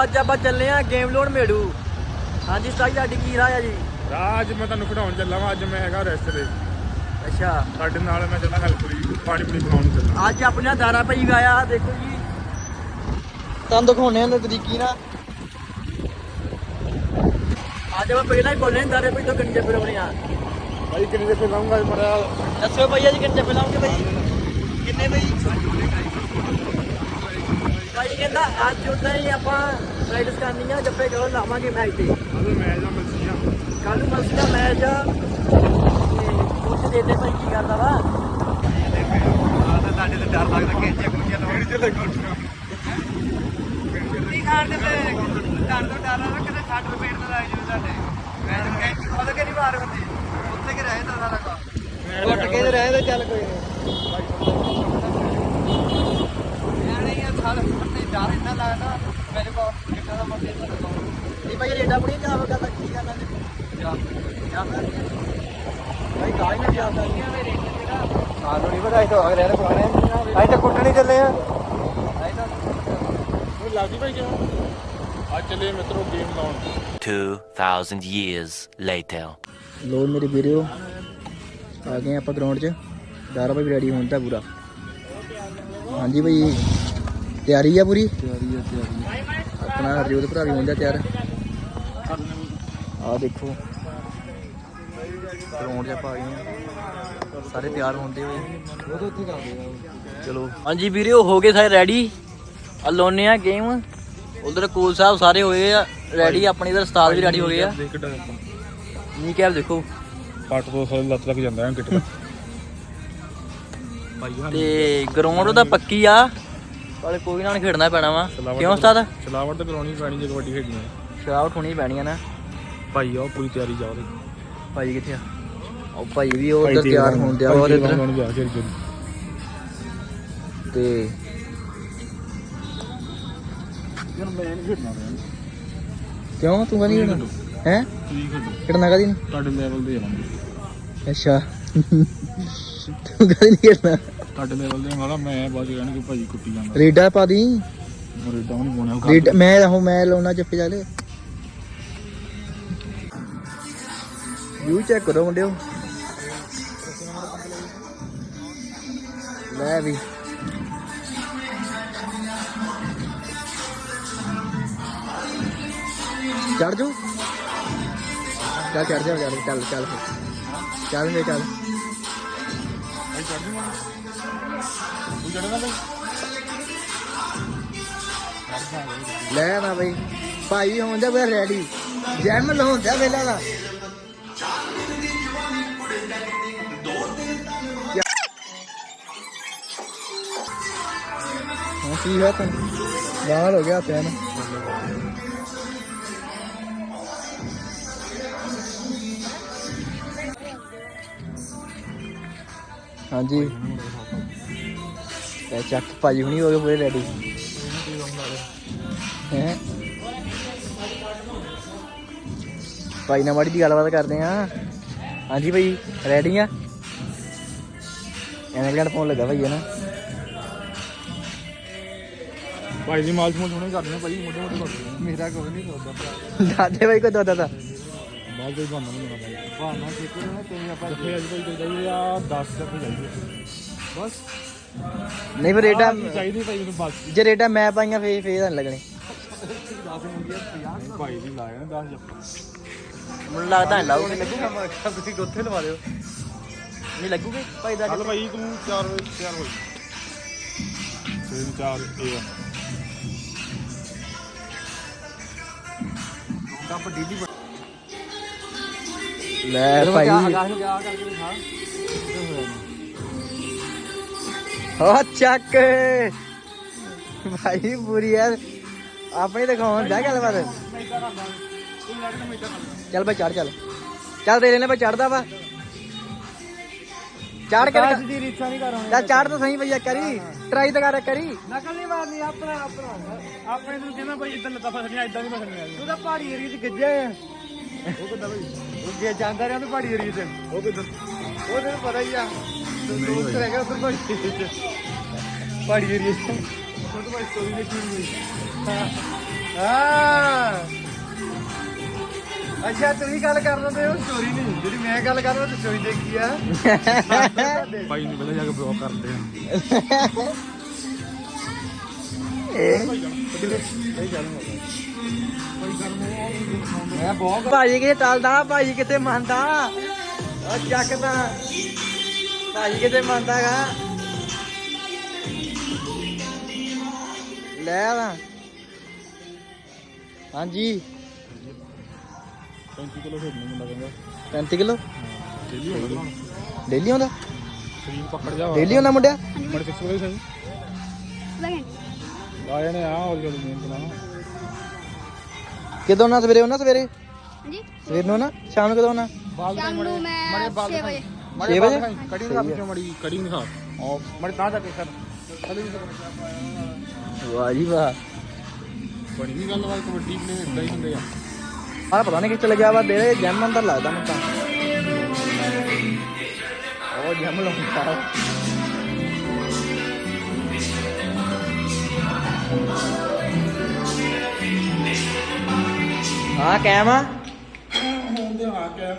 ਅੱਜ ਆਪਾਂ ਚੱਲੇ ਆ ਗੇਮ ਲੋਡ ਮੇੜੂ। ਹਾਂਜੀ ਸਤਾਈ ਤੁਹਾਡੀ ਕੀ ਰਾਹ ਆ ਜੀ? ਰਾਹ ਅੱਜ ਮੈਂ ਤੁਹਾਨੂੰ ਖਿਡਾਉਣ ਚੱਲਾ ਵਾਂ। ਅੱਜ ਮੈਂ ਹੈਗਾ ਰੈਸਟ ਤੇ। ਅੱਛਾ ਤੁਹਾਡੇ ਨਾਲ ਮੈਂ ਚੱਲਾਂ ਹੈਲਪੁਰੀ ਪਾਣੀ ਪੂਣੀ ਪਿਲਾਉਣ ਚੱਲਾਂ। ਅੱਜ ਆਪਣੇ ਨਾਲ ਦਾਰਾ ਭਾਈ ਆਇਆ ਦੇਖੋ ਜੀ, ਤੁਹਾਨੂੰ ਦਿਖਾਉਣੇ ਆ ਤਰੀਕੀ ਨਾਲ। ਅੱਜ ਆਪਾਂ ਪਹਿਲਾਂ ਹੀ ਬੋਲੇ ਦਾਰੇ ਭਾਈ ਤੋਂ ਕੰਜੇ ਫਿਰਵਣੇ ਆ। ਭਾਈ ਕਿੰਨੇ ਦੇ ਪਿਲਾਉਂਗਾ ਮਰਿਆ? ਦੱਸੋ ਭਈਆ ਜੀ ਕਿੰਨੇ ਫਿਲਾਉਂਗੇ ਭਾਈ? ਕਿੰਨੇ ਭਾਈ? ਭਾਈ ਕਹਿੰਦਾ ਅੱਜ ਉਦਾਂ ਹੀ ਆਪਾਂ ਪ੍ਰੈਕਟਿਸ ਕਰਨੀ ਆ, ਜੱਫੇ ਕਰੋ ਲਾਵਾਂਗੇ ਮੈਚ ਤੇ। ਅਰੇ ਮੈਂ ਜਾਂ ਮਲਸੀਆਂ ਕੱਲ ਨੂੰ ਮਲਸੀ ਦਾ ਮੈਚ ਆ ਕੁਝ ਦੇ ਦੇ ਭਾਈ ਕੀ ਕਰਦਾ ਵਾ। ਤੁਹਾਡੇ ਤੇ ਡਰ ਲੱਗਦਾ ਕਿ ਕੁੜੀਆਂ ਨੂੰ ਮੇਰੀ ਤੇ ਕੀ ਖਾਣ ਦੇ ਡਰ ਤੋਂ ਡਰ ਆ ਕਿਤੇ ਛੱਡ ਰੁਪਏ ਤੇ ਲਾਏ ਜੀ ਤੁਹਾਡੇ। ਮੈਂ ਤਾਂ ਕੈਂਚੀ ਖੋਲ ਕੇ ਨਹੀਂ ਮਾਰ ਹੁੰਦੀ ਉੱਥੇ ਕਿ ਰਹੇ ਤਾਂ ਸਾਰਾ ਕੰਮ ਉੱਟ ਕੇ ਰਹੇ ਤਾਂ ਚੱਲ ਕੋਈ ਨਹੀਂ ਆ ਸਾਲ ਤੇ ਡਰ ਇੰਨਾ ਲੱਗਦਾ ਮੇਰੇ ਕੋਲ ਕਿੱਦਾਂ ਦਾ ਬੰਦੇ ਨਹੀਂ ਭਾਈ ਰੇਡਾ ਬਣੀ ਚਾਹ ਕਰਦਾ ਕੀ ਕਰਨਾ ਜਾ ਭਾਈ ਗਾਈ ਨਾ ਜਾਂਦਾ ਨਹੀਂ ਆ ਮੇਰੇ ਸਾਨੂੰ ਨਹੀਂ ਪਤਾ ਇੱਥੇ ਅਗਰ ਇਹਨੇ ਪੁਰਾਣੇ ਅਸੀਂ ਤਾਂ ਕੁੱਟਣੀ ਚੱਲੇ ਆ। ਉਹ ਲੱਗਦੀ ਭਾਈ ਕਿਉਂ? ਅੱਜ ਚੱਲੇ ਮਿੱਤਰੋ ਗੇਮ ਲਾਉਣ। 2000 years later. ਲੋ ਮੇਰੇ ਵੀਰੋ ਆ ਗਏ ਆਪਾਂ ਗਰਾਊਂਡ 'ਚ। ਦਾਰਾ ਭਾਈ ਰੈਡੀ ਹੋਣ ਤਾਂ ਪੂਰਾ। ਹਾਂਜੀ ਭਾਈ ਤਿਆਰੀ ਆ ਪੂਰੀ? ਤਿਆਰੀ ਆਪਣਾ ਹਰਜੋਤ ਭਰਾ ਵੀ ਹੁੰਦਾ ਤਿਆਰ। ਆ ਦੇਖੋ ਗਰਾਊਂਡ 'ਚ ਆਪਾਂ ਆ ਗਏ ਆ, ਸਾਰੇ ਤਿਆਰ ਹੁੰਦੇ ਹੋਏ। ਚਲੋ ਹਾਂਜੀ ਵੀਰੋ ਹੋ ਗਏ ਸਾਰੇ ਰੈਡੀ। ਆ ਲਾਉਨੇ ਆ ਗੇਮ। ਉਧਰ ਕੋਲ ਸਾਹਿਬ ਸਾਰੇ ਹੋਏ ਆ ਰੈਡੀ, ਆਪਣੇ ਇਧਰ ਉਸਤਾਦ ਵੀ ਰੈਡੀ ਹੋ ਗਏ ਆ। ਨੀ ਕੈਪ ਦੇਖੋ ਪੱਟ ਤੋਂ ਥੱਲੇ ਲੱਤ ਲੱਗ ਜਾਂਦਾ ਹੈ ਕਿਟ ਤੇ ਗਰਾਊਂਡ ਉਹਦਾ ਪੱਕੀ ਆ, ਪਰ ਕੋਈ ਨਾਲ ਖੇਡਣਾ ਪੈਣਾ ਵਾ। ਕਿਉਂ ਉਸਤਾਦ? ਛਲਾਵਟ ਤਾਂ ਕਰਾਉਣੀ ਪੈਣੀ ਜੇ ਕਬੱਡੀ ਖੇਡਣੀ ਹੈ। ਸ਼ਰਾਬ ਹੋਣੀ ਪੈਣੀ ਆ ਨਾ ਭਾਈ ਉਹ ਪੂਰੀ ਤਿਆਰੀ ਜਾ ਉਹਦੀ। ਭਾਈ ਕਿੱਥੇ ਆ? ਉਹ ਭਾਈ ਵੀ ਉਹ ਉਧਰ ਤਿਆਰ ਹੋਣ ਦਿਆ ਉਹਦੇ ਇੱਧਰ ਤੇ ਯਾਰ ਮੈਂ ਨਹੀਂ ਖੇਡਣਾ। ਕਿਉਂ ਤੂੰ ਨਹੀਂ ਖੇਡਣਾ? ਹੈ ਤੁਸੀਂ ਖੇਡੋ ਖੇਡਣਾ ਕਦੀ ਨਹੀਂ? ਤੁਹਾਡੇ ਲੈਵਲ ਦੇ ਆਵਾਂਗੇ। ਅੱਛਾ ਤੂੰ ਕਦੀ ਨਹੀਂ ਖੇਡਣਾ? ਤੁਹਾਡੇ ਲੈਵਲ ਦੇ ਵਾਲਾ ਮੈਂ ਬਾਅਦ ਕਹਿਣਗੇ ਭਾਈ ਕੁੱਟੀ ਜਾਂਦਾ। ਰੇਡਾ ਪਾ ਦੀ। ਰੇਡਾ ਨਹੀਂ ਪਾਉਣਾ। ਰੇਡ ਮੈਂ ਲਾਉਣਾ ਜੱਫੇ ਚਾਲੇ। ਵਿਊ ਚੈੱਕ ਕਰੋ ਮੁੰਡਿਓ। ਲੈ ਵੀ ਚੜ ਜੂ ਚੱਲ ਚੜ ਜਾ ਚੱਲ ਚੱਲ ਚੱਲ ਵੇ ਚੱਲ। ਭਾਈ ਚੜ ਜੂਗਾ ਤੂੰ ਚੜਨਾ ਭਾਈ? ਲੈ ਨਾ ਬਈ ਭਾਈ ਵੀ ਹੋਣ ਦਿਆ ਪੂਰਾ ਰੈਡੀ। ਜੈਮ ਲਾਉਣ ਦਿਆ ਵੇਲਾ ਦਾ। ਹਾਂ ਕੀ ਹੈ ਤੈਨੂੰ? ਲਾਲ ਹੋ ਗਿਆ ਪੈਨ। ਹਾਂਜੀ ਤੇ ਚੱਕ ਭਾਜੀ ਹੁਣੀ ਹੋ ਗਏ ਪੂਰੇ ਰੈਡੀ ਹੈ। ਭਾਈ ਨਾਲ ਮਾੜੀ ਦੀ ਗੱਲਬਾਤ ਕਰਦੇ ਆ। ਹਾਂਜੀ ਭਾਈ ਰੈਡੀ ਆ? ਐਨਕ ਪਾਉਣ ਲੱਗਾ ਭਾਈ ਹੈ ਨਾ। ਭਾਈ ਦੀ ਮਾਲ ਸਮੂਲ ਹੁਣੇ ਕਰਦੇ ਭਾਈ ਮੋਟੇ ਮੋਟੇ ਕਰਦੇ। ਮੇਰਾ ਕੋਈ ਨਹੀਂ ਸੋਦਾ ਦਾਦੇ ਭਾਈ ਕੋ ਦਾਦਾ ਦਾ ਮਾਲ ਕੋਈ ਬਣਨਾ ਨਹੀਂ ਭਾਈ। ਬਾਣਾ ਕਿਤੇ ਨਾ ਤੇ ਆਪਾਂ ਜੱਫੇ ਅੱਜ ਭਾਈ ਚਾਹੀਦੇ ਆ 10 ਜੱਫੇ ਚਾਹੀਦੇ ਬਸ। ਨਹੀਂ ਫਿਰ ਰੇਡਾ ਚਾਹੀਦੀ ਭਾਈ ਮੈਨੂੰ ਬਸ। ਜੇ ਰੇਡਾ ਮੈਂ ਪਾਈਆਂ ਫੇਰ ਤਾਂ ਨਹੀਂ ਲੱਗਣੇ। 10 ਮੁੰਡੀਆਂ 50 ਭਾਈ ਦੀ ਲਾਇਆ ਨਾ 10 ਜੱਫੇ। ਮੈਨੂੰ ਲੱਗਦਾ ਨਹੀਂ ਲਾਊਗੀ। ਲੱਗੂਗਾ ਮੈਂ ਕਿਹਾ ਤੁਸੀਂ ਗੋਥੇ ਲਵਾ ਦਿਓ। ਨਹੀਂ ਲੱਗੂਗੇ ਭਾਈ ਦਾ? ਚੱਲ ਭਾਈ ਤੂੰ 4 ਵਜੇ ਤਿਆਰ ਹੋ। 4 ਇਹ ਕੱਪ ਡੀਡੀ ਲੈ ਭਾਈ ਹੋ ਚੱਕ ਭਾਈ ਪੂਰੀ ਯਾਰ ਆਪਣੀ ਦਿਖਾਉਣ ਜਾ ਗੱਲਬਾਤ। ਚੱਲ ਭਾਈ ਚੜ ਚੱਲ ਚੱਲ ਦੇ ਲੈਨੇ ਭਾਈ ਚੜਦਾ ਵਾ। ਚੜ ਕੇ ਦੀ ਰੀਛਾ ਨਹੀਂ ਕਰਾਂਗੇ। ਚੱਲ ਚੜ ਤਾਂ ਸਹੀ ਭਈਆ ਕਰੀ ਟਰਾਈ ਤਾਂ ਕਰ ਕਰੀ। ਨਕਲ ਨਹੀਂ ਮਾਰਨੀ ਆਪਣਾ ਆਪਣੇ ਨੂੰ ਕਹਿੰਦਾ ਭਾਈ ਇਦਾਂ ਲੱਤਾਂ ਫਸਣੀਆਂ ਇਦਾਂ ਨਹੀਂ ਫਸਣੀਆਂ। ਤੂੰ ਤਾਂ ਪਹਾੜੀ ਏਰੀਏ 'ਚ ਗਿੱਜਿਆ ਆ। ਉਹ ਕਿੱਦਾਂ ਭਾਈ? ਉਹ ਜੇ ਜਾਂਦਾ ਰਿਹਾ ਤੂੰ ਪਹਾੜੀ ਏਰੀਏ 'ਚ। ਉਹ ਕਿੱਦਾਂ? ਉਹ ਤੈਨੂੰ ਪਤਾ ਹੀ ਆ ਦੋਸਤ ਰਹਿ ਗਿਆ ਉੱਧਰ ਪਹਾੜੀ ਏਰੀਏ 'ਚ। ਛੋਟੇ ਭਾਈ ਸਟੋਰੀ ਦੇਖੀ ਹੋਈ। ਹਾਂ ਅੱਛਾ ਤੁਸੀਂ ਗੱਲ ਕਰ ਲੈਂਦੇ ਹੋ ਸਟੋਰੀ ਨਹੀਂ ਜਿਹੜੀ ਮੈਂ ਗੱਲ ਕਰ ਰਿਹਾ ਤੇ ਸਟੋਰੀ ਦੇਖੀ ਆ ਭਾਈ ਨੂੰ ਪਹਿਲਾਂ ਜਾ ਕੇ ਬਲੌਕ ਕਰਦੇ ਆ ਮੈਂ ਬਹੁਤ ਭਾਜੀ ਕਿਤੇ ਟਲਦਾ ਭਾਜੀ ਕਿਤੇ ਮੰਨਦਾ ਉਹ ਚੱਕਦਾ ਭਾਜੀ ਕਿਤੇ ਮੰਨਦਾਗਾ ਲੈ ਆ ਹਾਂਜੀ 35 ਕਿਲੋ ਖੇਡਣੀ ਮੁੰਡਾ ਕਹਿੰਦਾ 35 ਕਿਲੋ ਡੇਲੀ ਹੋਊਗਾ ਡੇਲੀ ਆਉਂਦਾ ਸਰੀਰ ਪਕੜ ਜਾ ਡੇਲੀ ਆਉਂਦਾ ਮੁੰਡਿਆ ਮੜ ਫਿਕਸ ਹੋ ਗਈ ਸਹੀ ਆ ਜਾਣੇ ਆ ਹੋਰ ਗੱਲ ਮਿਹਨਤ ਨਾਲ ਕਿਦੋਂ ਨਾ ਸਵੇਰੇ ਆਉਣਾ ਸਵੇਰੇ ਹਾਂਜੀ ਸਵੇਰ ਨੂੰ ਨਾ ਸ਼ਾਮ ਨੂੰ ਕਦੋਂ ਆਉਣਾ ਬਾਲ ਸ਼ਾਮ ਨੂੰ ਮੈਂ 6 ਵਜੇ 6 ਵਜੇ ਕੜੀ ਖਾ ਪਿੱਛੇ ਮੜੀ ਕੜੀ ਨਹੀਂ ਖਾ ਮੜ ਤਾਂ ਜਾ ਕੇ ਸਰ ਵਾਹ ਜੀ ਵਾਹ ਬਣੀ ਨਹੀਂ ਗੱਲਬਾਤ ਕਬੱਡੀ ਨੇ ਇਦਾਂ ਹੀ ਹੁੰਦੇ ਆ ਆਹ ਪਤਾ ਨਹੀਂ ਕਿੱਥੇ ਲੱਗਿਆ ਵਾ ਦੇ ਜੈਮ ਅੰਦਰ ਲੱਗਦਾ ਮੈਨੂੰ ਤਾਂ ਉਹ ਜੈਮ ਲਾਉਂਦਾ ਹਾਂ ਕੈਮ ਆ ਹੁੰਦੇ ਆ ਕੇ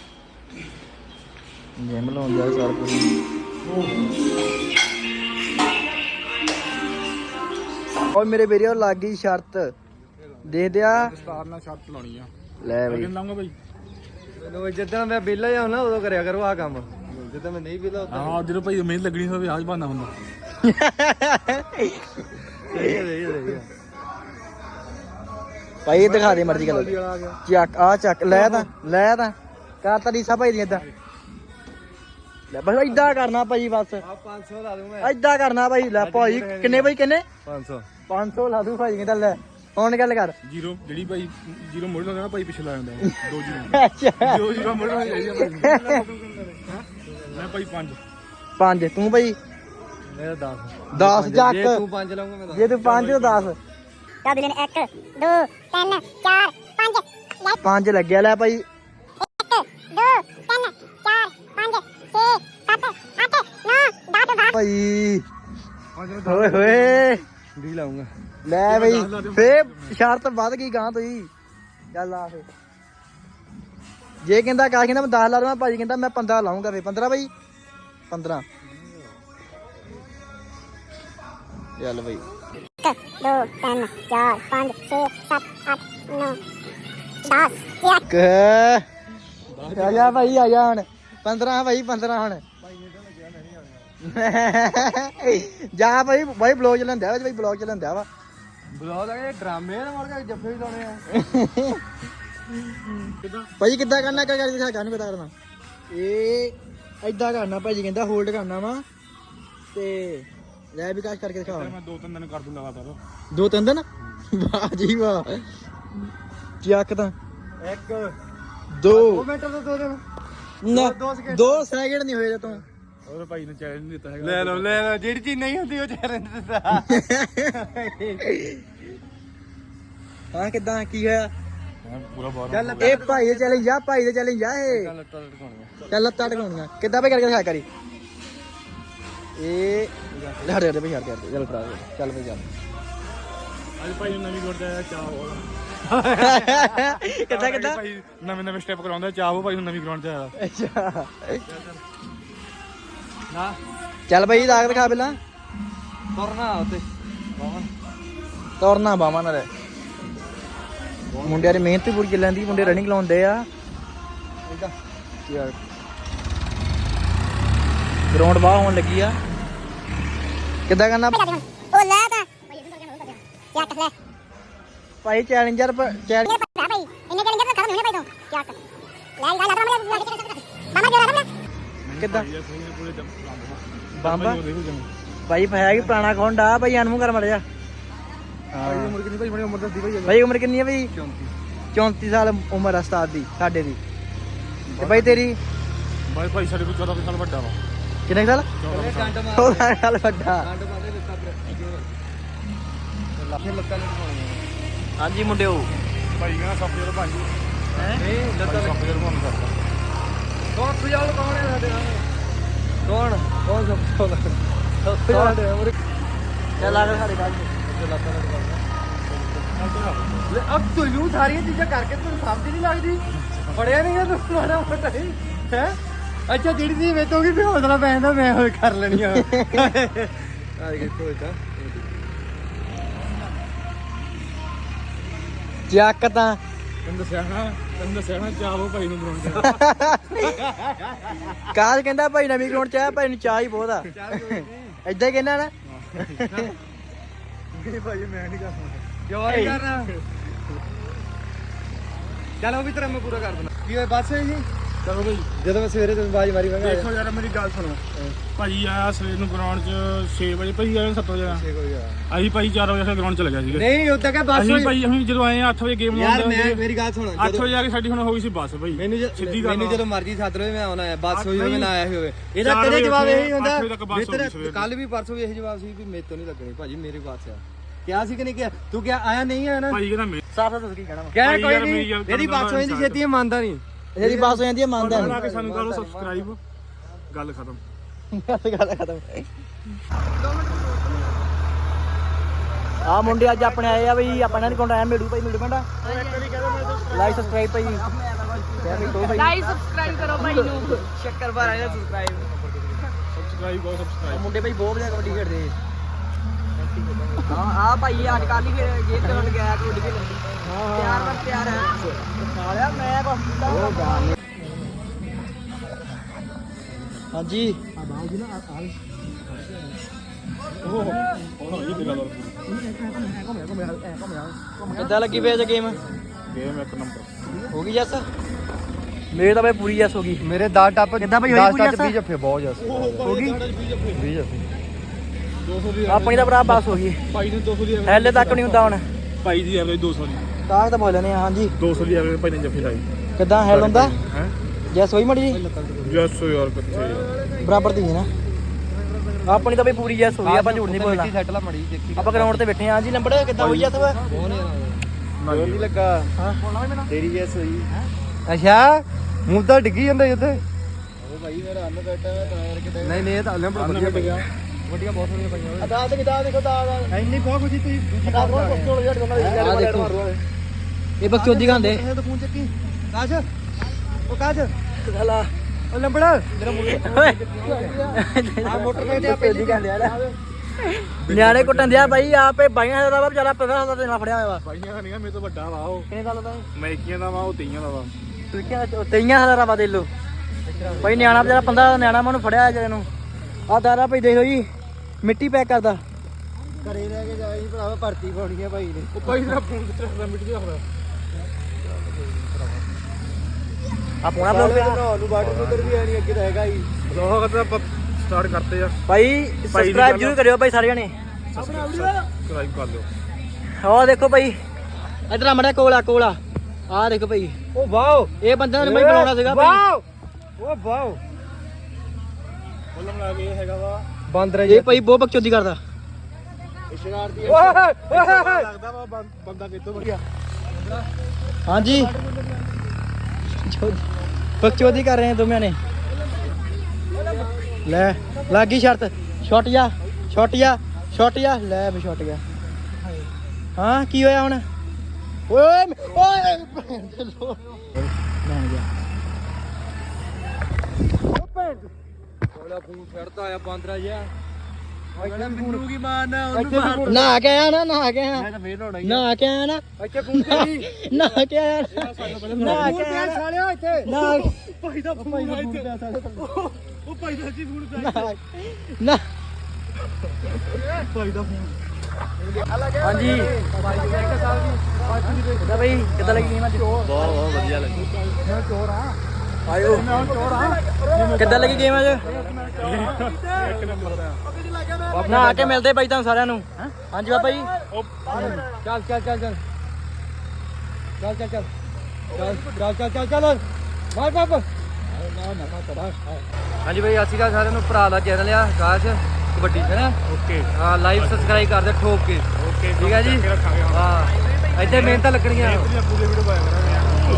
ਜੈਮ ਲਾਉਂਦਾ ਸਾਰ ਪੂਰੀ ਓਏ ਮੇਰੇ ਵੀਰੇ ਉਹ ਲੱਗ ਗਈ ਸ਼ਰਤ ਦੇਖਦੇ ਆ ਸਟਾਰ ਨਾਲ ਸ਼ਰਟ ਲਾਉਣੀ ਆ ਲੈ ਬਈ ਕਿੰਨਾ ਲਾਉਂਗਾ ਬਾਈ ਮੈਨੂੰ ਜਦੋਂ ਮੈਂ ਵਿਹਲਾ ਹੀ ਨਾ ਉਦੋਂ ਕਰਿਆ ਕਰੋ ਆ ਕੰਮ ਜਦੋਂ ਮੈਂ ਨਹੀਂ ਵਿਹਲਾ ਉਦੋਂ ਹਾਂ ਜਦੋਂ ਭਾਈ ਮਿਹਨਤ ਲੱਗਣੀ ਹੋਵੇ ਆਜ ਬਹਾਨਾ ਹੁੰਦਾ ਸਹੀ ਹੈ ਭਾਈ ਇਹ ਦਿਖਾ ਦੇ ਮਰਜ਼ੀ ਗੱਲ ਚੱਕ ਆ ਚੱਕ ਲੈ ਤਾਂ ਕਰ ਤਾਂ ਰੀਸਾ ਭਾਈ ਦੀ ਏਦਾਂ ਲੈ ਬਸ ਏਦਾਂ ਕਰਨਾ ਭਾਈ ਬਸ ਆ 500 ਲਾ ਦੂੰ ਮੈਂ ਏਦਾਂ ਕਰਨਾ ਭਾਈ ਲੈ ਭਾਈ ਕਿੰਨੇ ਭਾਈ ਕਿੰਨੇ 500 ਲਾ ਦੂੰ ਭਾਈ ਕਹਿੰਦਾ ਲੈ ਹੁਣ ਗੱਲ ਕਰ ਜੀਰੋ ਜਿਹੜੀ ਭਾਈ ਜੀਰੋ ਮੋੜ ਲਾਉਂਦਾ ਨਾ ਭਾਈ ਪਿੱਛੇ ਲਾ ਜਾਂਦਾ 2 ਜੀਰੋ ਅੱਛਾ 2 ਜੀਰੋ ਮੋੜ ਲਾਉਂਦਾ ਜਾਈਦਾ ਭਾਈ ਮੈਂ ਭਾਈ 5 5 ਤੂੰ ਭਾਈ ਮੇਰਾ 10 ਚੱਕ ਜੇ ਤੂੰ 5 ਲਾਉਂਗਾ ਮੈਂ 10 ਜੇ ਤੂੰ 5 ਤਾਂ 10 ਤਾਂ ਦਿਨ 1 2 3 4 5 5 ਲੱਗਿਆ ਲੈ ਭਾਈ 1 2 3 4 5 6 7 8 9 10 ਭਾਈ ਓਏ ਹੋਏ ਵੀ ਲਾਉਂਗਾ ਲੈ ਬਈ ਫੇ ਸ਼ਰਤ ਵੱਧ ਗਈ ਗਾਂ ਤੋਂ ਹੀ ਚੱਲ ਆ ਫੇ ਜੇ ਕਹਿੰਦਾ ਕਾਸ਼ ਕਹਿੰਦਾ ਮੈਂ 10 ਲਾ ਦਵਾਂ ਭਾਜੀ ਕਹਿੰਦਾ ਮੈਂ 15 ਲਾਉਂਗਾ ਫੇ 15 ਬਾਈ 15 ਚੱਲ ਬਈ 1 2 3 4 5 6 7 8 9 10 ਆ ਜਾ ਭਾਈ ਆ ਜਾ ਹੁਣ 15 ਭਾਈ 15 ਹੁਣ ਜਾ ਭਾਈ ਬਲੌਗ ਚ ਲੈਂਦਾ ਭਾਈ ਬਲੌਗ ਚ ਲੈਂਦਾ ਵਾ ਬਲੌਗ ਦਾ ਇਹ ਡਰਾਮੇ ਨਾ ਮਰ ਕੇ ਜੱਫੇ ਵੀ ਲਾਉਣੇ ਆ ਭਾਈ ਕਿੱਦਾਂ ਕਰਨਾ ਕਰ ਦਿਖਾ ਕਾਹਨੂੰ ਕਿੱਦਾਂ ਕਰਨਾ ਇਹ ਏਦਾਂ ਕਰਨਾ ਭਾਜੀ ਕਹਿੰਦਾ ਹੋਲਡ ਕਰਨਾ ਵਾ ਤੇ ਲੈ ਵਿਕਾਸ ਕਰਕੇ ਦਿਖਾ ਮੈਂ 2-3 ਦਿਨ ਕਰ ਦੂੰ ਲਗਾਤਾਰ 2-3 ਦਿਨ ਵਾਹ ਜੀ ਵਾਹ ਚੱਕ ਤਾਂ 1 2 ਮਿੰਟ ਤੋਂ 2 ਦਿਨ ਨਾ 2 ਸੈਕਿੰਡ ਨਹੀਂ ਹੋਏ ਤੂੰ ਹੋਰ ਭਾਈ ਨੇ ਚੈਲੰਜ ਨਹੀਂ ਦਿੱਤਾ ਹੈਗਾ ਲੈ ਲਓ ਜਿਹੜੀ ਚੀਜ਼ ਨਹੀਂ ਹੁੰਦੀ ਉਹ ਚੈਲੰਜ ਦਿੱਤਾ ਹਾਂ ਕਿੱਦਾਂ ਕੀ ਹੋਇਆ ਪੂਰਾ ਬਾਹਰ ਚੱਲ ਇਹ ਭਾਈ ਦੇ ਚੈਲੰਜ ਆ ਭਾਈ ਦੇ ਚੈਲੰਜ ਆ ਇਹ ਚੱਲ ਲੱਤਾਂ ਟਕਾਉਣੀਆਂ ਕਿੱਦਾਂ ਭਾਈ ਕਰਕੇ ਦਿਖਾ ਕਰੀ ਇਹ ਹਟ ਜਾ ਭਾਈ ਹਟ ਜਾ ਚੱਲ ਭਰਾ ਚੱਲ ਭਾਈ ਚੱਲ ਅੱਜ ਭਾਈ ਨੂੰ ਨਵੀਂ ਗੁਰਦਾ ਆਇਆ ਚਾਹ ਕਿੱਦਾਂ ਭਾਈ ਨਵੇਂ ਸਟੈਪ ਕਰਾਉਂਦਾ ਚਾਹ ਭਾਈ ਨੂੰ ਨਵੀਂ ਗਰਾਊਂਡ ਚ ਆਇਆ ਅੱਛਾ ਨਾ ਚੱਲ ਭਾਈ ਦਾਗ ਦਿਖਾ ਪਹਿਲਾਂ ਤੁਰਨਾ ਉੱਤੇ ਤੁਰਨਾ ਬਾਵਾਂ ਨਾਲ ਮੁੰਡਿਆਂ ਦੀ ਮਿਹਨਤ ਹੀ ਪੂਰੀ ਚੱਲਦੀ ਮੁੰਡੇ ਰਨਿੰਗ ਲਾਉਂਦੇ ਆ ਯਾਰ ਗਰਾਊਂਡ ਬਾਹ ਹੋਣ ਲੱਗੀ ਆ ਕਿੱਦਾਂ ਕਰਨਾ ਉਹ ਲੈ ਤਾਂ ਚੱਕ ਲੈ ਭਾਈ ਚੈਲੰਜਰ ਭਾਈ ਇੰਨੇ ਚੈਲੰਜਰ ਤਾਂ ਖਤਮ ਹੋਣੇ ਭਾਈ ਤੋਂ ਚੱਕ ਲੈ ਲਾ ਮਾਮਾ ਜੋੜਾ ਲੈ ਕਿੱਦਾਂ ਪੂਰੇ ਬੰਬਾ ਭਾਈ ਹੈ ਕਿ ਪੁਰਾਣਾ ਖੌਂਡਾ ਭਾਈ ਅਨਮੂ ਕਰ ਮੜ ਜਾ ਭਾਈ ਉਮਰ ਕਿੰਨੀ ਭਾਈ ਬੜੀ ਉਮਰ ਦੱਸਦੀ ਭਾਈ ਭਾਈ ਉਮਰ ਕਿੰਨੀ ਹੈ ਭਾਈ 34 ਸਾਲ ਉਮਰ ਆ ਉਸਤਾਦ ਦੀ ਸਾਡੇ ਦੀ ਤੇ ਭਾਈ ਤੇਰੀ ਭਾਈ ਸਾਡੇ ਕੋਲ 14 ਸਾਲ ਵੱਡਾ ਵਾ ਕਿੰਨੇ ਸਾਲ 14 ਸਾਲ ਵੱਡਾ ਹਾਂਜੀ ਮੁੰਡਿਓ ਭਾਈ ਕਹਿੰਦਾ ਸਭ ਤੋਂ ਭਾਈ ਹੈ ਸਭ ਤੋਂ ਮਨ ਕਰਦਾ ਕੌਣ ਸੁਝਾਉ ਕੌਣ ਹੈ ਸਾਡੇ ਨਾਲ ਕੌਣ ਸਭ ਤੋਂ ਸਾਡੇ ਉਮਰ ਚੱਲ ਆ ਸਾਡੇ ਨਾਲ ਅਬ ਤੈਨੂੰ ਸਾਰੀਆਂ ਚੀਜ਼ਾਂ ਕਰਕੇ ਤੈਨੂੰ ਸਮਝ ਨਹੀਂ ਲੱਗਦੀ ਪੜਿਆ ਨਹੀਂ ਤੂੰ ਮਾੜਾ ਮੋਟਾ ਹੈ ਅੱਛਾ ਜਿਹੜੀ ਚੀਜ਼ ਵੇਚ ਹੋਗੀ ਵੀ ਹੌਸਲਾ ਪੈ ਜਾਂਦਾ ਮੈਂ ਹੋਰ ਕਰ ਲੈਣੀ ਆ ਆ ਦੇਖੋ ਤਾਂ ਚੱਕ ਤਾਂ ਤੈਨੂੰ ਦੱਸਿਆ ਨਾ ਚਾਹੋ ਭਾਈ ਨੂੰ ਬਣਾਉਣ ਕਾਜ ਕਹਿੰਦਾ ਭਾਈ ਨਵੀਂ ਗਰਾਊਂਡ ਚ ਆਇਆ ਭਾਈ ਨੂੰ ਚਾਹ ਹੀ ਬਹੁਤ ਆ ਏਦਾਂ ਹੀ ਕਹਿੰਦਾ ਨਾ ਨਹੀਂ ਭਾਈ ਮੈਂ ਨਹੀਂ ਕਰਨਾ ਕਿਉਂ ਨਹੀਂ ਕਰਨਾ ਚਲ ਉਹ ਵੀ ਤੇਰਾ ਮੈਂ ਪੂਰਾ ਕਰ ਦੇਣਾ ਕੀ ਹੋਇਆ ਬੱਸ ਹੈ ਜੀ ਚਲੋ ਭਾਈ ਜਦੋਂ ਮੈਂ ਸਵੇਰੇ ਤੋਂ ਬਾਜ ਮਾਰੀ ਮੈਂ ਦੇਖੋ ਯਾਰ ਮੇਰੀ ਗੱਲ ਸੁਣੋ ਭਾਜੀ ਆਇਆ ਸਵੇਰ ਨੂੰ ਗਰਾਊਂਡ 'ਚ 6 ਵਜੇ ਭਾਈ ਆਇਆ 7 ਵਜੇ ਅਸੀਂ ਭਾਈ 4 ਵਜੇ ਗਰਾਊਂਡ 'ਚ ਲੱਗਿਆ ਸੀਗੇ ਨਹੀਂ ਉਦਾਂ ਕਹ ਬੱਸ ਅਸੀਂ ਜਦੋਂ ਆਏ 8 ਵਜੇ ਗੇਮ ਯਾਰ ਮੈਂ ਮੇਰੀ ਗੱਲ ਸੁਣ 8 ਵਜੇ ਆ ਕੇ ਸਾਡੀ ਹੁਣ ਹੋ ਗਈ ਸੀ ਬੱਸ ਭਾਈ ਮੈਨੂੰ ਜਦੋਂ ਮਰਜ਼ੀ ਸੱਦ ਲਓ ਮੈਂ ਆਉਣਾ ਹੈ ਬੱਸ ਹੋਈ ਹੋਵੇ ਨਾ ਆਇਆ ਹੋਵੇ ਇਹਦਾ ਕਦੇ ਜਵਾਬ ਇਹੀ ਹੁੰਦਾ ਕੱਲ ਵੀ ਪਰਸੋਂ ਵੀ ਇਹੀ ਜਵਾਬ ਸੀ ਵੀ ਮੇਰੇ ਤੋਂ ਨਹੀਂ ਲੱਗਣੀ ਭਾਜੀ ਮੇਰੀ ਬੱਸ ਆ ਕਿਹਾ ਸੀ ਕਿ ਨਹੀਂ ਕਿਹਾ ਤੂੰ ਕਿਹਾ ਆਇਆ ਨਹੀਂ ਆਇਆ ਨਾ ਭਾਈ ਕਹਿੰਦਾ ਮੈਂ ਸਾਫ ਸਾਫ ਕੀ ਕਹਿਣਾ ਕਹਿ ਕੋਈ ਨਹੀਂ ਇਹਦੀ ਬੱਸ ਹੋ ਜਾਂਦੀ ਛੇਤੀ ਮੰਨਦਾ ਨਹੀਂ ਇਹਦੀ ਬੱਸ ਹੋ ਜਾਂਦੀ ਮੰਨਦਾ ਨਹੀਂ ਆ ਕੇ ਸਾਨੂੰ ਕਰੋ ਸਬਸਕ੍ਰਾਈਬ ਗੱਲ ਖਤਮ ਗੱਲ ਖਤਮ ਆ ਮੁੰਡੇ ਅੱਜ ਆਪਣੇ ਆਏ ਆ ਬਈ ਆਪਾਂ ਇਹਨਾਂ ਦੇ ਕੋਲ ਆਇਆ ਮਿਲੂ ਭਾਈ ਮਿਲੂ ਪਿੰਡਾ ਲਾਈਕ ਸਬਸਕ੍ਰਾਈਬ ਭਾਈ ਲਾਈਕ ਸਬਸਕ੍ਰਾਈਬ ਕਰੋ ਭਾਈ ਨੂੰ ਸ਼ੱਕਰ ਭਰ ਆਇਆ ਸਬਸਕ੍ਰਾਈਬ ਮੁੰਡੇ ਭਾਈ ਬਹੁਤ ਵਧੀਆ ਕਬੱਡੀ ਖੇਡਦੇ ਹਾਂ ਆ ਭਾਈ ਅੱਜ ਕੱਲ ਹੀ ਗੇਮ ਕਰਨ ਗਿਆ ਕਬੱਡੀ ਖੇਡਣ ਪਿਆਰ ਬਸ ਪਿਆਰ ਹੈ ਸਾਲਿਆ ਮੈਂ ਕੁਛ ਕੀਤਾ ਹਾਂਜੀ ਕਿੱਦਾਂ ਲੱਗੀ ਵੇ ਗੇਮ ਗੇਮ ਇੱਕ ਨੰਬਰ ਹੋ ਗਈ ਜੱਸ ਮੇਰੇ ਤਾਂ ਬਈ ਪੂਰੀ ਜੱਸ ਹੋ ਗਈ ਮੇਰੇ 10 ਟੱਪ ਕਿੱਦਾਂ ਬਈ ਹੋਈ ਪੂਰੀ ਜੱਸ 20 ਜੱਫੇ ਬਹੁਤ ਜੱਸ ਹੋ ਗਈ 20 ਜੱਫੇ 200 ਦੀ ਆਪਣੀ ਤਾਂ ਭਰਾ ਪਾਸ ਹੋ ਗਈ ਭਾਈ ਨੇ 200 ਦੀ ਹੈਲੇ ਤੱਕ ਨਹੀਂ ਹੁੰਦਾ ਹੁਣ ਭਾਈ ਦੀ ਐਵਰੇਜ 200 ਦੀ ਤਾਂ ਬੋਲ ਲੈਣੇ ਹਾਂਜੀ 200 ਦੀ ਐਵਰੇਜ ਭਾਈ ਨੇ ਜੱਫੀ ਲਾਈ ਕਿੱਦਾਂ ਹੈਲ ਹੁੰਦਾ ਹੈ ਜੱਸ ਹੋਈ ਮੜੀ ਜੀ ਜੱਸ ਯਾਰ ਕਿੱਥੇ ਬਰਾਬਰ ਦੀ ਹੈ ਨਾ ਆਪਣੀ ਤਾਂ ਬਈ ਪੂਰੀ ਜੈਸ ਹੋ ਗਈ ਆਪਾਂ ਝੂਠ ਨਹੀਂ ਬੋਲਣਾ ਸੈਟ ਲਾ ਮੜੀ ਦੇਖੀ ਆਪਾਂ ਗਰਾਊਂਡ ਤੇ ਬੈਠੇ ਆਂ ਜੀ ਲੰਬੜੇ ਕਿੱਦਾਂ ਹੋਈ ਜੈਸ ਵਾ ਨਹੀਂ ਲੱਗਾ ਹਾਂ ਤੇਰੀ ਜੈਸ ਹੋਈ ਅੱਛਾ ਮੂੰਹ ਤਾਂ ਡਿੱਗੀ ਜਾਂਦਾ ਉੱਥੇ ਉਹ ਭਾਈ ਮੇਰਾ ਅੰਨ ਬੈਠਾ ਮੈਂ ਟਾਇਰ ਕਿਤੇ ਨਹੀਂ ਇਹ ਤਾਂ ਲੰਬੜ ਵਧੀਆ ਪਈਆਂ ਵੱਡੀਆਂ ਬਹੁਤ ਸੋਹਣੀਆਂ ਪਈਆਂ ਅਦਾ ਤੇ ਕਿਦਾਂ ਦੇਖੋ ਤਾਂ ਇੰਨੀ ਬਹੁਤ ਖੁਸ਼ੀ ਤੁਸੀਂ ਦੂਜੀ ਕਾਲ ਆ ਦੇਖੋ ਇਹ ਬਕਚੋਦੀ ਖਾਂਦੇ ਇਹ ਤਾਂ ਫੋਨ ਚੱਕੀ ਕਾਜ ਉਹ ਕਾਜ ਹਲਾ ਉਹ ਲੰਬੜਾ ਮੇਰਾ ਆ ਮੋਟਰਸਾਈਕਲ ਤੇ ਆਪੇ ਦੀ ਕਹਿੰਦੇ ਆ ਨਿਆਣੇ ਕੁੱਟਣ ਦਿਆ ਬਾਈ ਆਪੇ ਬਾਈਆਂ ਦਾ ਵਾ ਵਿਚਾਰਾ 15 ਦਾ ਫੜਿਆ ਹੋਇਆ ਵਾ ਬਾਈਆਂ ਦਾ ਨਹੀਂ ਮੇਰੇ ਤੋਂ ਵੱਡਾ ਵਾ ਉਹ ਕਿਹਨੇ ਗੱਲ ਦਾ ਮੈਕੀਆਂ ਦਾ ਵਾ ਉਹ ਤੀਆਂ ਦਾ ਵਾ ਤਈਆਂ ਹਜ਼ਾਰਾਂ ਵਾ ਦੇ ਲੋ ਬਾਈ ਨਿਆਣਾ ਵਿਚਾਰਾ 15 ਦਾ ਨਿਆਣਾ ਮੈਨੂੰ ਫੜਿਆ ਜਿਹੜੇ ਨੂੰ ਆ ਦਾਰਾ ਭਾਈ ਦੇਖ ਲੋ ਜੀ ਮਿੱਟੀ ਪੈਕ ਕਰਦਾ ਘਰੇ ਰਹਿ ਕੇ ਜਾਈ ਭਰਾਵਾ ਭਰਤੀ ਪਾਉਣੀ ਆ ਭਾਈ ਨੇ ਉਹ ਭਾਈ ਦਾ ਫੋਨ ਕਿੱਥੇ ਰੱਖਦਾ ਮਿੱਟੀ ਰੱਖਦਾ ਆ ਪੋਣਾ ਬਲੌਗ ਤੇ ਨੂੰ ਵਾਟਰ ਕੂਲਰ ਵੀ ਆਣੀ ਅੱਗੇ ਤਾਂ ਹੈਗਾ ਹੀ ਬਲੌਗ ਤਾਂ ਆਪਾਂ ਸਟਾਰਟ ਕਰਤੇ ਆ ਭਾਈ ਸਬਸਕ੍ਰਾਈਬ ਜ਼ਰੂਰ ਕਰਿਓ ਭਾਈ ਸਾਰੇ ਜਣੇ ਸਬਸਕ੍ਰਾਈਬ ਕਰ ਲਿਓ ਆਹ ਦੇਖੋ ਭਾਈ ਇਧਰ ਆ ਮੜਿਆ ਕੋਲਾ ਆਹ ਦੇਖੋ ਭਾਈ ਉਹ ਵਾਓ ਇਹ ਬੰਦਾ ਨੇ ਭਾਈ ਬਣਾਉਣਾ ਸੀਗਾ ਵਾਓ ਉਹ ਵਾਓ ਬੋਲਣ ਲੱਗ ਗਿਆ ਹੈਗਾ ਵਾ ਬਾਂਦਰ ਇਹ ਭਾਈ ਬਹੁਤ ਬਕਚੋਦੀ ਕਰਦਾ ਸ਼ਰਾਰਤੀ ਲੱਗਦਾ ਵਾ ਬੰਦਾ ਕਿੱਥੋਂ ਬਣ ਗਿਆ ਹਾਂਜੀ ਬਕਚੋਦੀ ਕਰ ਰਹੇ ਆ ਦੋਵੇਂ ਨੇ ਲੈ ਲੱਗੀ ਸ਼ਰਤ ਛੁੱਟ ਜਾ ਲੈ ਵੀ ਛੁੱਟ ਗਿਆ ਹਾਂ ਕੀ ਹੋਇਆ ਹੁਣ ਓਏ ਓਏ ਮੈਂ ਗਿਆ ਉਹ ਭੈਣ ਕੋਲਾ ਫੋਨ ਫੜਦਾ ਆ ਬਾਂਦਰਾ ਜਿਹਾ ਇੱਥੇ ਮੈਨੂੰ ਕੀ ਮਾਰਨਾ ਉਹਨੂੰ ਮਾਰ ਨਾ ਕੇ ਆਇਆ ਨਾ ਮੈਂ ਤਾਂ ਫੇਰ ਲਾਉਣਾ ਹੀ ਨਾ ਕੇ ਆਇਆ ਨਾ ਇੱਥੇ ਫੋਨ ਕਰੀ ਨਾ ਕੇ ਆਇਆ ਨਾ ਕੇ ਆਇਆ ਸਾਲਿਆ ਇੱਥੇ ਨਾ ਭਾਈ ਦਾ ਫੋਨ ਆ ਇੱਥੇ ਉਹ ਭਾਈ ਦਾ ਜੀ ਫੋਨ ਪਿਆ ਨਾ ਭਾਈ ਦਾ ਫੋਨ ਹਾਂਜੀ ਕਿੱਦਾਂ ਬਈ ਕਿੱਦਾਂ ਲੱਗੀ ਗੇਮ ਅੱਜ ਬਹੁਤ ਵਧੀਆ ਲੱਗੀ ਮੈਂ ਚੋਰ ਆ ਆਇਓ ਮੈਂ ਚੋਰ ਆ ਕਿੱਦਾਂ ਲੱਗੀ ਗੇਮ ਅੱਜ ਇੱਕ ਨੰਬਰ ਦਾ ਨਾ ਆ ਕੇ ਮਿਲਦੇ ਬਾਈ ਤੁਹਾਨੂੰ ਸਾਰਿਆਂ ਨੂੰ ਹਾਂਜੀ ਬਾਬਾ ਜੀ ਚੱਲ ਮਾਰ ਪਾਪ ਹਾਂਜੀ ਬਾਈ ਅਸੀਂ ਕਾ ਸਾਰਿਆਂ ਨੂੰ ਭਰਾ ਦਾ ਚੈਨਲ ਆ ਆਕਾਸ਼ ਕਬੱਡੀ ਹੈ ਨਾ ਓਕੇ ਹਾਂ ਲਾਈਵ ਸਬਸਕ੍ਰਾਈਬ ਕਰ ਦੇ ਠੋਕ ਕੇ ਓਕੇ ਠੀਕ ਹੈ ਜੀ ਹਾਂ ਇੱਥੇ ਮਿਹਨਤਾਂ ਲੱਗਣਗੀਆਂ ਪੂਰੇ ਵੀਡੀਓ ਪਾਇਆ ਕਰਾਂਗੇ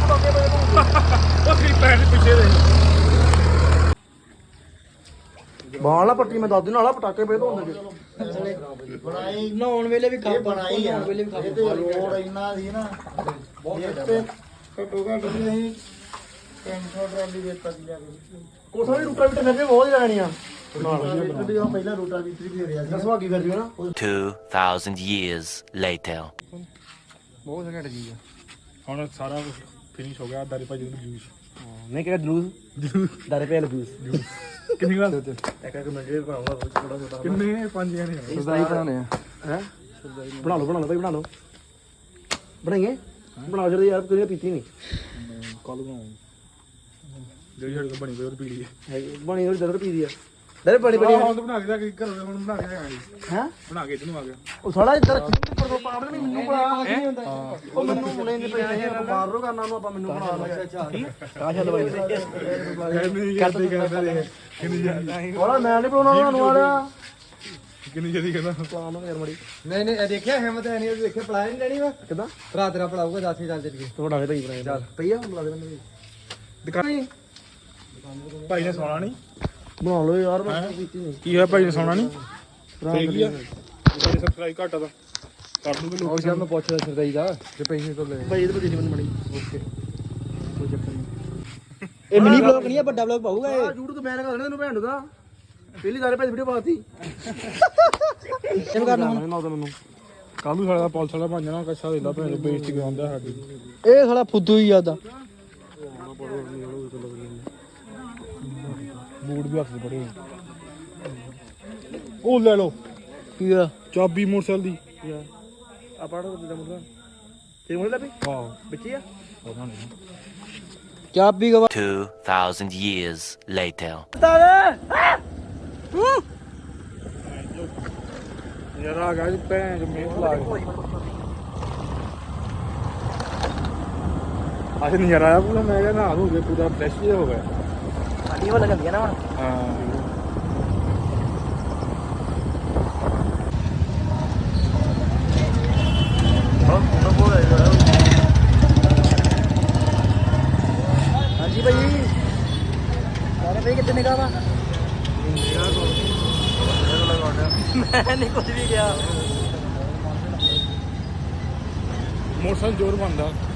ਉਹ ਕਰੀ ਪੈਰ ਪਿੱਛੇ ਦੇ ਬਾਲ ਨਾ ਪੱਟੀ ਮੈਂ ਦੱਸ ਦਿਨ ਵਾਲਾ ਪਟਾਕੇ ਪਏ ਧੋਣ ਦੇ ਬਣਾਈ ਨਹਾਉਣ ਵੇਲੇ ਵੀ ਇਹ ਬਣਾਈ ਆ ਨਹਾਉਣ ਵੇਲੇ ਵੀ ਖਾ ਇਹਦੇ ਰੋਡ ਇੰਨਾ ਸੀ ਨਾ ਇਹ ਤੇ ਘੱਟੋ ਘੱਟ ਵੀ ਅਸੀਂ 300 ਟਰਾਲੀ ਵੇਚਤਾ ਸੀ ਜਾ ਕੇ ਕੋਠਾ ਵੀ ਰੂਟਾ ਵੀ ਫਿਰਦੇ ਬਹੁਤ ਜਾਣੀਆਂ ਜਿਹੜੀ ਉਹ ਪਹਿਲਾਂ ਰੋਟਾ ਵੀ ਫੇਰਿਆ ਸੀ ਸੁਹਾਗੀ ਫਿਰਦੀ ਨਾ 2,000 years later. ਬਹੁਤ ਘੈਂਟ ਚੀਜ਼ ਆ ਹੁਣ ਸਾਰਾ ਕੁਝ ਫਿਨਿਸ਼ ਹੋ ਗਿਆ ਦਾਰੀ ਭਾਜੀ ਨੂੰ ਜੂਸ ਨਹੀਂ ਕਿਹਾ ਜਲੂਸ ਦਾਰੇ ਪੇ ਜੂਸ ਕਿੰਨੀ ਗੱਲ ਇੱਕ ਇੱਕ ਮਿੰਟ ਦੇ ਬਣਾਉਂਗਾ ਥੋੜਾ ਛੋਟਾ ਕਿੰਨੇ 5 ਜਣੇ ਆ ਸਦਾਈ ਬਣਾਉਣੇ ਆ ਹੈ ਬਣਾ ਲਓ ਭਾਈ ਬਣਾ ਲਓ ਬਣਾਈਏ ਬਣਾਓ ਜਲਦੀ ਯਾਰ ਕੋਈ ਪੀਤੀ ਨਹੀਂ ਕੱਲ ਬਣਾਉਂ ਜਿਹੜੀ ਸਾਡੇ ਕੋਲ ਬਣੀ ਪਈ ਉਹ ਪੀ ਲਈ ਬਣੀ ਹੋਈ ਦਰ ਪੀਦੀ ਆ ਦਰ ਬਣੀ ਬਣੀ ਹੁਣ ਤਾਂ ਬਣਾ ਕੇ ਜਾ ਕੇ ਘਰੋਂ ਹੁਣ ਬਣਾ ਕੇ ਆਇਆ ਹੈ ਬਣਾ ਕੇ ਇਹਨੂੰ ਆ ਗਿਆ ਉਹ ਸਾਲਾ ਇੱਧਰ ਪਰ ਤੋਂ ਪਾਵਰ ਨਹੀਂ ਮੈਨੂੰ ਬਣਾ ਨਹੀਂ ਹੁੰਦਾ ਉਹ ਮੈਨੂੰ ਹੁਣੇ ਨਹੀਂ ਪੈਸੇ ਆਪਾਂ ਬਾਹਰ ਰੋ ਕਰਨਾ ਉਹਨੂੰ ਆਪਾਂ ਮੈਨੂੰ ਬਣਾ ਲਾ ਅੱਛਾ ਕਾਸ਼ਾ ਦਵਾਈ ਨਹੀਂ ਕਰਦੇ ਕਰਦੇ ਕਿੰਨੀ ਜਲਦੀ ਹੋਲਾ ਮੈਂ ਨਹੀਂ ਬਣਾਉਣਾ ਤੁਹਾਨੂੰ ਵਾਲਿਆ ਕਿੰਨੀ ਜਲਦੀ ਕਹਿੰਦਾ ਪਲਾਨ ਯਾਰ ਮੜੀ ਨਹੀਂ ਨਹੀਂ ਦੇਖਿਆ ਹਿੰਮਤ ਹੈ ਨਹੀਂ ਦੇਖਿਆ ਪਲਾਇਆ ਨਹੀਂ ਲੈਣੀ ਵਾ ਕਿਦਾਂ ਭਰਾ ਤੇਰਾ ਪੜਾਊਗਾ 10 ਚੱਲ ਚੱਲੀਏ ਤੁਹਾਡਾ ਫੇਰ ਹੀ ਬਣਾਇਆ ਚੱਲ ਪਈ ਆ ਬੁਲਾ ਦੇ ਮੈਨੂੰ ਦੁਕਾਨ ਭਾਈ ਨੇ ਸੌਣਾ ਨਹੀਂ ਬਣਾ ਲਓ ਯਾਰ ਮੈਂ ਪੀਤੀ ਨਹੀਂ ਕੀ ਹੋਇਆ ਭਾਈ ਨੇ ਸੌਣਾ ਨਹੀਂ ਤੇ ਕੀ ਆ ਸਾਡੇ ਸਬਸਕ੍ਰਾਈਬ ਘਟਾ ਦਾ ਕਰ ਦੂਗੇ ਲੋਕ ਉਹ ਮੈਂ ਪੁੱਛਦਾ ਸਰਦਾਈ ਦਾ ਜੇ ਪੈਸੇ ਤੋਂ ਲੈ ਭਾਈ ਇਹਦੇ ਪਰ ਨਹੀਂ ਬਣੀ ਓਕੇ ਕੋਈ ਚੱਕਰ ਨਹੀਂ ਇਹ ਮਿਨੀ ਬਲੌਗ ਨਹੀਂ ਆ ਵੱਡਾ ਬਲੌਗ ਪਾਊਗਾ ਇਹ YouTube ਤੇ ਮੈਂ ਲਗਾ ਦੇਣਾ ਤੈਨੂੰ ਭੈਣ ਦਾ ਪਹਿਲੀ ਸਾਰੇ ਭਾਈ ਵੀਡੀਓ ਪਾਤੀ ਇਹਨੂੰ ਕਰਨਾ ਹੁਣ ਨਾ ਤਾਂ ਮੈਨੂੰ ਕੱਲ ਨੂੰ ਸਾਡਾ ਪੁਲਿਸ ਵਾਲਾ ਬਣ ਜਾਣਾ ਕੱਛਾ ਦੇ ਲਾ ਭੈਣ ਬੇਇੱਜ਼ਤੀ ਕਰਾਉਂਦਾ ਸਾਡੀ ਇਹ ਸਾਲਾ ਫੁੱਦੂ ਹੀ ਆਦਾ ਬੂਟ ਵੀ ਹੱਥ 'ਚ ਪੜੇ ਉਹ ਲੈ ਲਓ ਕੀ ਆ ਚਾਬੀ ਮੋਟਰਸਾਈਕਲ ਦੀ ਆ ਪੜੋ ਤੇ ਮੁੰਡਾ ਤੇ ਮੁੰਡਾ ਵੀ ਹਾਂ ਬੱਚੀ ਆ ਪਤਾ ਨਹੀਂ ਚਾਬੀ ਗਵਾ 2,000 years later. ਯਾਰ ਆ ਗਿਆ ਜੀ ਭੈਣ ਜੋ ਮੇਰ ਲਾ ਕੇ ਅੱਜ ਨਜ਼ਾਰਾ ਆਇਆ ਪੂਰਾ ਮੈਂ ਕਿਹਾ ਨਹਾ ਧੋ ਕੇ ਪੂਰਾ ਫਰੈਸ਼ ਜਿਹਾ ਹੋ ਗਿਆ ਸਾਡੀ ਉਹ ਲੱਗਦੀ ਆ ਨਾ ਹੁਣ ਹਾਂ ਹਾਂਜੀ ਭਾਈ ਸਾਰੇ ਭਾਈ ਕਿੱਥੇ ਨਿਕਾ ਵਾ ਮੈਂ ਨਹੀਂ ਕੁਝ ਵੀ ਗਿਆ ਮੋਟਰਸਾਈਕਲ ਜ਼ੋਰ ਬੰਦਾ